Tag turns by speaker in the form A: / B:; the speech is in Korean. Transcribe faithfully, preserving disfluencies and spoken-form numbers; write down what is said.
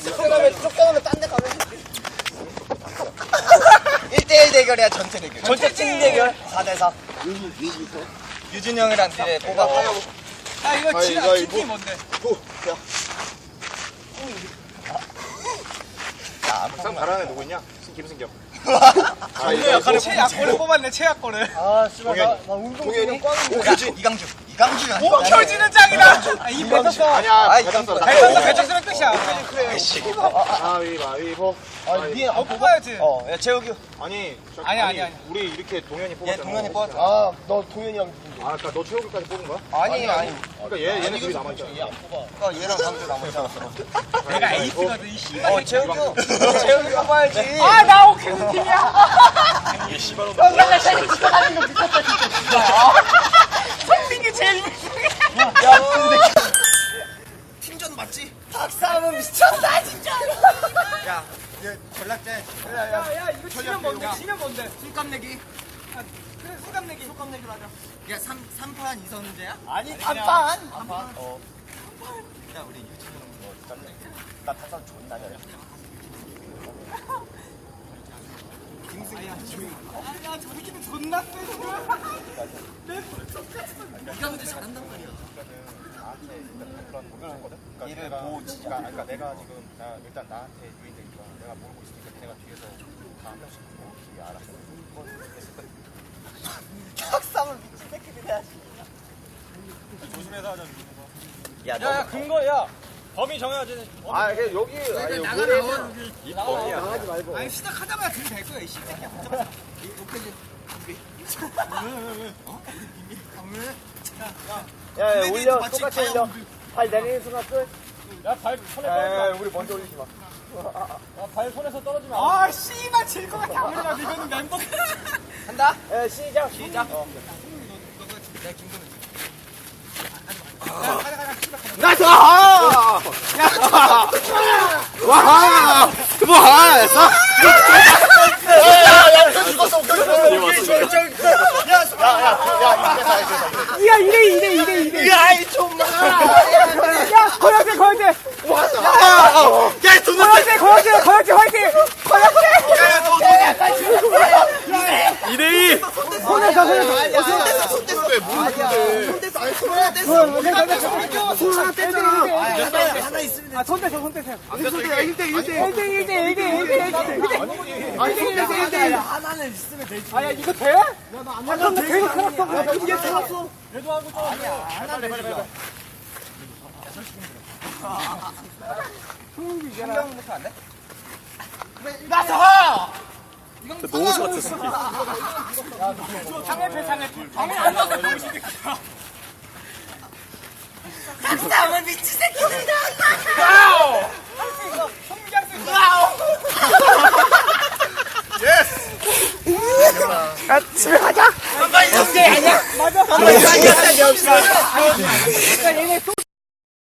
A: 쫓겨나면 쫓겨나면 딴 데 가면 일 대 일 대결이야. 전체 대결. 전체 팀 대결. 사 대 사. 유준 형이랑 둘이 뽑아.
B: 아 이거 지나 팀이 뭔데?
C: 항상 잘하는 애 누구 있냐? 김승겸.
B: 아, 최약골을 뽑았네. 최약골을.
A: 아, 씨발 나, 나 운동신경 꽝인데.
C: 오효진.
A: 이강주. 이강주.
B: 오켜지는 짱이다. 아, 이 배쳤어.
C: 아니야.
A: 아이,
C: 배쳤어.
B: 배쳤어. 배쳤으면 끝이야.
C: 가위바위보.
A: 아니, 니
B: 어 뽑아야지.
A: 어, 야, 재욱이.
C: 아니, 저-
B: 아니, 아니, 아니.
C: 우리 이렇게 동현이
A: 얘
C: 뽑았잖아.
A: 동현이 뽑았잖아. 아, 너 동현이랑
C: 아, 그러니까 너 최욱이까지 뽑은 거야?
A: 아니, 아니.
C: 그러니까 얘 얘네 둘이 남아 있잖아.
A: 그러니까 얘랑 강주 남았잖아.
B: 내가 에이스거든. 이 씨발.
A: 어, 재욱이. 재욱이 뽑아야지.
B: 아, 나 오케는 팀이야.
C: 얘 씨발.
A: 맨날 자기 집에 가는 거 미쳤다, 진짜.
B: 성민이 제일 미치게.
A: 야, 근데 팀전 맞지? 박사는 미쳤다, 진짜. 야, 얘 전략제. 야, 야,
B: 야, 이거 지면 뭔데? 지면 뭔데?
A: 술값 내기.
B: 아, 그래, 수감 내기.
A: 술값 내기로 하자. 야, 삼, 삼판 이선제야?
B: 아니,
A: 단판. 단판. 어. 야, 우리 유치원 뭐 짬내. 나 탄산 존나 잘해. 김승희.
B: 아, 저 새끼는 존나 세.
A: 네가 근데 잘한단 말이야.
C: 그런 목표를 했거든. 그러니까
A: 얘를
C: 내가,
A: 뭐 진짜.
C: 그러니까, 그러니까 내가 지금 나 일단 나한테 유인된 거야. 내가 모르고 있으니까 걔네가 뒤에서 다 한 명씩 뭐 뒤에 알아서.
A: 학상을 미친 새끼들이야.
C: 조심해서 하자.
A: 야,
B: 야, 야, 근거, 야. 범위 정해야지.
C: 아, 그냥 여기 아니
A: 나가 나와.
C: 입범이야. 나가지 말고.
B: 아니, 시작하자마자 들이 될 거야, 이 씨새끼야.
A: 야, 야, 올려. 똑같이 올려. 발 내리는 순간 끝.
B: 야, 발 손에
A: 야, 우리 먼저 올리지 마.
B: 야, 발 손에서 떨어지면 아, 씨발 질 것 같아. 아무리 봐도 이거는 멤버가.
A: 간다. 야, 시작. 시작. 어.
C: 나이스! 와! 뭐 했어?
A: 야, 야, 죽었어. 야, 야, 야,
B: 야, 이래, 이래, 이래, 이래.
A: 야, 이 좀마.
B: 야, 거역대, 거역대.
C: 야, 돈
B: 거역대, 거역대, 거역대, 화이팅. 거역대.
C: 이대이!
B: 손에서, 손에서.
A: 야, 손댔어, 손댔어. 아니야. 손댔어. 아니, 손 뗐어. 손 하나 뗐잖아. 하나 있으면
B: 아, 손 떼서, 손 떼서.
C: 안 됐어, 이게.
B: 일 대 일 대 일 대 일 대 일 대 일 대 일 대
A: 하나는 있으면 되지.
B: 아, 야, 이거 돼? 야, 나안 돼. 근데 계속 살았어. 야, 이게 살았어.
A: 그래도 하고 좀. 아니야. 하나는 되지. 한 명부터 안 돼?
B: 나서!
C: 너무 좋았어.
B: 장애패, 장애패. 장애 안 나서 병신새끼야.
A: 박사는 미친 새끼들이다.
B: 와우! 할수 있어. 성기할 수 있어. 와우!
C: 예스!
A: 야, 집에 가자. 한번 이성재 아니야?
B: 맞아.
A: 한번 이성재 없어.
B: 야, 얘네